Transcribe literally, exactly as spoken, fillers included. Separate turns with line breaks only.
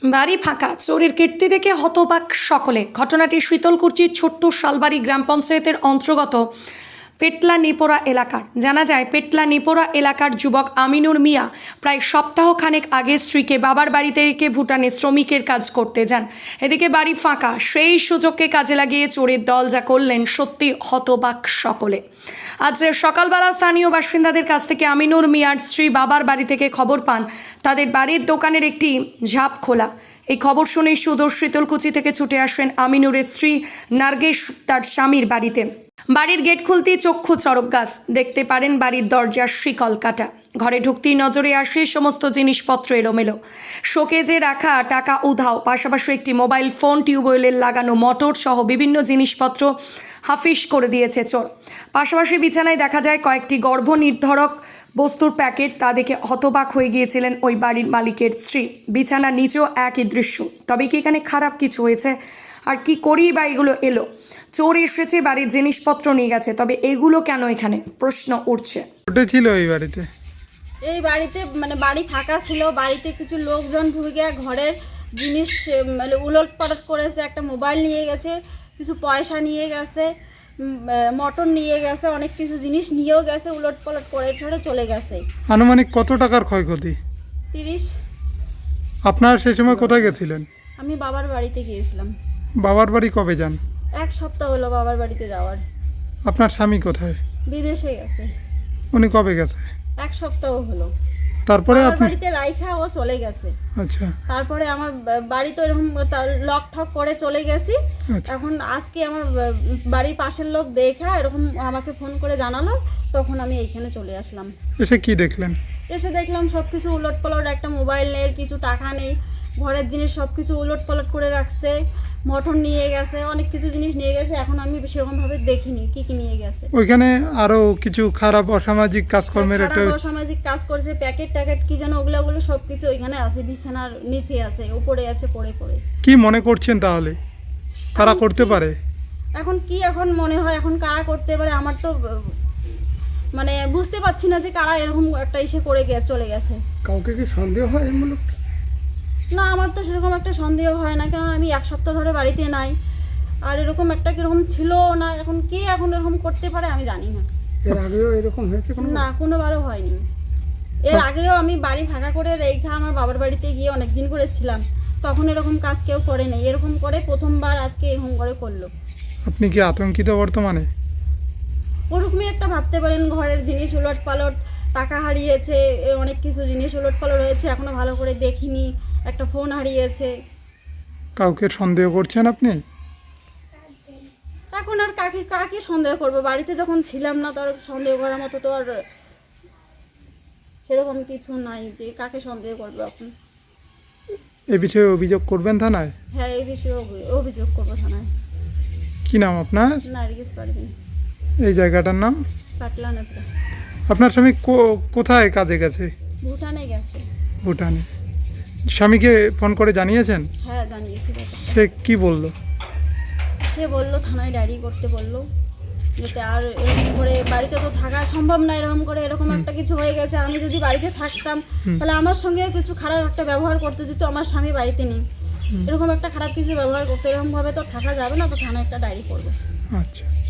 বাড়ি ফাঁকা, চোরের কীর্তি দেখে হতবাক সকলে। ঘটনাটি শীতলকুচির ছোট্ট শালবাড়ি গ্রাম পঞ্চায়েতের অন্তর্গত পেটলা নিপোরা এলাকার। জানা যায়, পেটলা নিপোরা এলাকার যুবক আমিনুর মিয়া প্রায় সপ্তাহখানেক আগে স্ত্রীকে বাবার বাড়িতে রেখে ভুটানে শ্রমিকের কাজ করতে যান। এদিকে বাড়ি ফাঁকা, সেই সুযোগকে কাজে লাগিয়ে চোরের দল যা করলেন, সত্যি হতবাক সকলে। আজ সকালবেলা স্থানীয় বাসিন্দাদের কাছ থেকে আমিনুর মিয়ার স্ত্রী বাবার বাড়ি থেকে খবর পান তাদের বাড়ির দোকানের একটি ঝাঁপ খোলা। এই খবর শুনে সুদূর শীতলকুচি থেকে ছুটে আসেন আমিনুরের স্ত্রী নার্গেশ তার স্বামীর বাড়িতে। বাড়ির গেট খুলতেই চক্ষু চড়ক গাছ, দেখতে পারেন বাড়ির দরজার শিকল কাটা। ঘরে ঢুকতেই নজরে আসে সমস্ত জিনিসপত্র এলোমেলো, শোকেজে রাখা টাকা উধাও, পাশাপাশি একটি মোবাইল ফোন, টিউবওয়েলের লাগানো মোটর সহ বিভিন্ন জিনিসপত্র হাফিস করে দিয়েছে চোর। পাশাপাশি বিছানায় দেখা যায় কয়েকটি গর্ভনির্ধারক বস্তুর প্যাকেট। তা দেখে হতবাক হয়ে গিয়েছিলেন ওই বাড়ির মালিকের স্ত্রী। বিছানার নিচেও একই দৃশ্য। তবে কি এখানে খারাপ কিছু হয়েছে? আর কি করেই বা এগুলো এলো? চোর এসেছে, বাড়ির জিনিসপত্র নিয়ে গেছে, তবে এগুলো কেন এখানে? প্রশ্ন উঠছে।
ছিল এই বাড়িতে
এই বাড়িতে মানে বাড়ি ফাঁকা ছিল, বাড়িতে কিছু লোকজন ঢুকে ঘরের জিনিস মানে উলট পালট করেছে। একটা মোবাইল নিয়ে গেছে, কিছু পয়সা নিয়ে গেছে, মটর নিয়ে গেছে, অনেক কিছু জিনিস নিয়েও গেছে, উলট পালট করে ঠরে চলে গেছে।
আনুমানিক কত টাকার ক্ষয়ক্ষতি?
তিরিশ।
আপনার সেই সময় কোথায় গেছিলেন?
আমি বাবার বাড়িতে গিয়েছিলাম।
বাবার বাড়ি কবে যান?
এক সপ্তাহ হলো বাবার বাড়িতে যাওয়ার।
আপনার স্বামী কোথায়?
বিদেশে গেছে।
উনি কবে গেছে?
এক সপ্তাহ হলো।
তারপরে
বাবার
আপনি?
বাড়িতে রাইখা ও চলে গেছে।
আচ্ছা।
তারপরে আমার বাড়ি তো এরকম লক ঠক করে চলে গেছি।
আচ্ছা।
এখন আজকে আমার বাড়ির পাশের লোক দেখা এরকম আমাকে ফোন করে জানালো, তখন আমি এইখানে চলে আসলাম।
এসে কি দেখলেন?
এসে দেখলাম সব কিছু উলট পালট, একটা মোবাইল নেই, কিছু টাকা নেই, ঘরের জিনিস সব কিছু উলট পালট করে রাখছে, মটর নিয়ে গেছে, অনেক কিছু জিনিস নিয়ে গেছে। এখন আমি সেরকমভাবে দেখিনি কি কি নিয়ে গেছে।
ওইখানে আরো কিছু খারাপ অসামাজিক কাজকর্মের একটা
খারাপ অসামাজিক কাজ করছে, প্যাকেট ট্যাকেট কি যেন ওগুলো ওগুলো সব কিছু ওইখানে আছে, বিছানার নিচে আছে, উপরে আছে, পড়ে পড়ে।
কি মনে করছেন তাহলে কারা করতে পারে?
এখন কি এখন মনে হয় এখন কারা করতে পারে? আমার তো মানে বুঝতে পারছি না যে কারা এরকম একটা ইসে করে গিয়ে চলে গেছে।
কাউকে কি সন্দেহ হয় এমূলক?
না, আমার তো সেরকম একটা সন্দেহ হয় না, কারণ আমি এক সপ্তাহ ধরে বাড়িতে নাই, আর এরকম একটা কিরকম ছিল না। এখন কে এখন এরকম করতে পারে আমি জানি না।
এর আগেও এরকম হয়েছে কোনো?
না, কোনোবারও হয়নি। এর আগেও আমি বাড়ি ফাঁকা করে রেখে আমার বাবার বাড়িতে গিয়ে অনেক দিন করেছিলাম, তখন এরকম কাজ কেউ করে নেই। এরকম করে প্রথমবার আজকে এরকম করে করলো।
আপনি কি আতঙ্কিত বর্তমানে?
ওরকমই একটা ভাবতে পারেন, ঘরের জিনিস উলট পালট, টাকা হারিয়েছে, অনেক কিছু জিনিস উলট পালট হয়েছে, এখনো ভালো করে দেখিনি, একটা ফোন হারিয়েছে।
কাউকে সন্দেহ করছেন আপনি?
এখন আর কাকে কাকে সন্দেহ করবো? বাড়িতে যখন ছিলাম না, তার সন্দেহ করার মতো তো আর সেরকম কিছু নাই যে কাকে সন্দেহ করবো এখন।
এ বিষয়ে অভিযোগ করবেন থানায়?
হ্যাঁ, এই বিষয়ে অভি- অভিযোগ করবো থানায়।
কি নাম আপনার?
নার্গিস পারভিন,
এই জায়গাটার নাম?
পাটলা নেপড়া।
আপনার স্বামী কো- কোথায় কাজে গেছে?
ভুটানে গেছে।
ভুটানে। স্বামীকে ফোন করে জানিয়েছেন?
হ্যাঁ, জানিয়েছি ব্যাপারটা।
সে কি বলল?
সে বললো থানায় ডায়েরি করতে বললো, যাতে আর এরকম করে বাড়িতে তো থাকা সম্ভব না। এরকম করে এরকম একটা কিছু হয়ে গেছে, আমি যদি বাড়িতে থাকতাম তাহলে আমার সঙ্গেও কিছু খারাপ একটা ব্যবহার করতে, যেহেতু আমার স্বামী বাড়িতে নেই, এরকম একটা খারাপ কিছু ব্যবহার করতে, এরকমভাবে তো থাকা যাবে না, তো থানায় একটা ডায়েরি করবো।
আচ্ছা।